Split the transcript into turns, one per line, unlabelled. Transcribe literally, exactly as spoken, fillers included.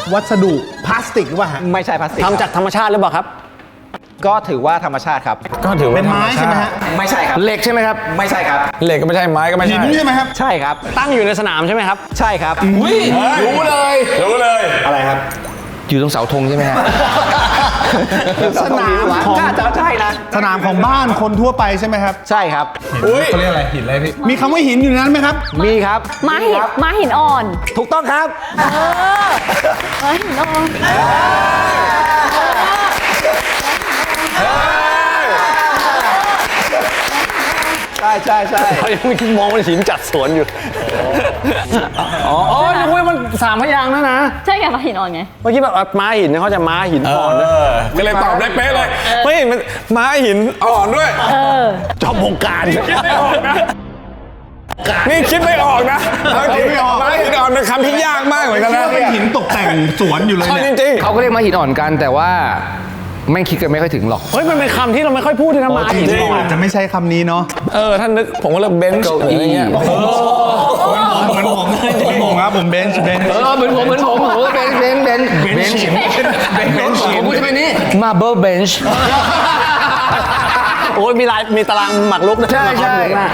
วัสดุพลาสติกหรือเปล่าฮะ
ไม่ใช่พลาสติก
ทำจากธรรมชาติหรือเปล่าครับ
ก็ถือว่าธรรมชาติครับ
ก็ถือว่า
เป็นไม้ใช่ไหมฮะ
ไม่ใช่ครับ
เหล็กใช่ไหมครับ
ไม่ใช่ครับ
เหล็กก็ไม่ใช่ไม้ก็ไม่
หิ
ใช่
นใช่ไหมครับ
ใช่ครับ
ตั้งอยู่ในสนามใช่ไหมครับ
ใช่ครับ
อุ้ยรู้เลยรู้เลย
อะไรครับ
อยู่ตรงเสาธงใช่ไหมฮะ
สนามของ
น่าจะใช่นะ
สนามของบ้านคนทั่วไปใช่ไหมครับ
ใช่ครับ
อุ้ย
เขาเรียกอะไรหินอะไรพี่
มีคำว่าหินอยู่ในนั้นไหมครับ
มีครับ
ม้าหินม้าหินอ่อน
ถูกต้องครับ
เออม้าหินอ่อน
ใช่ใช่ใช่
เขายังมองเป็นหินจัดสวนอยู่ อ๋ออ๋อนึกว่ามันสามพยางค์นะนะ
ใช่ไงม้าหินอ่อนไง
เมื่อกี้แบบม้าหินเนี่ยเขาจะม้าหิน
เอ
อ่อนนะ
อก็เลยตอบได้เป๊ะเลยไม่เห็นมันไม้หินอ่อนด้วย
เออ
จอมวงการ
นี่คิดไม่ออกนะเอาจริง
ไม่ออก
ไม้หินอ่อนเป็นคำที่ยากมากเหมือนกัน
คิด
นะ
ว่าเป็นหินตกแต่งสวนอยู่เลย
เอา
เนี่ย
จริง
เขาก็เรียกมาหินอ่อนกันแต่ว่าไม่คิดกันไม่ค่อยถึงหรอก
เฮ้ยมันเป็นคำที่เราไม่ค่อยพูดเลยนะม้าหินอ่อน
อาจจะไม่ใช่คำนี้เนาะ
ๆเออท่านนึกผมก็เลือกเบนช์อะไรเงี้ย
เหมือนผมเหมือนผมครับผมเบนช์เบนช์
เออเหมือนผมเหมือนผมผมก็เป็นเบนเบนเบนชิมเบนชิมผมจะเป็นนี่มาเบิลเบนช์
โอ้ยมีลายมีตารางหมากรุกนะ
ใช่ใช่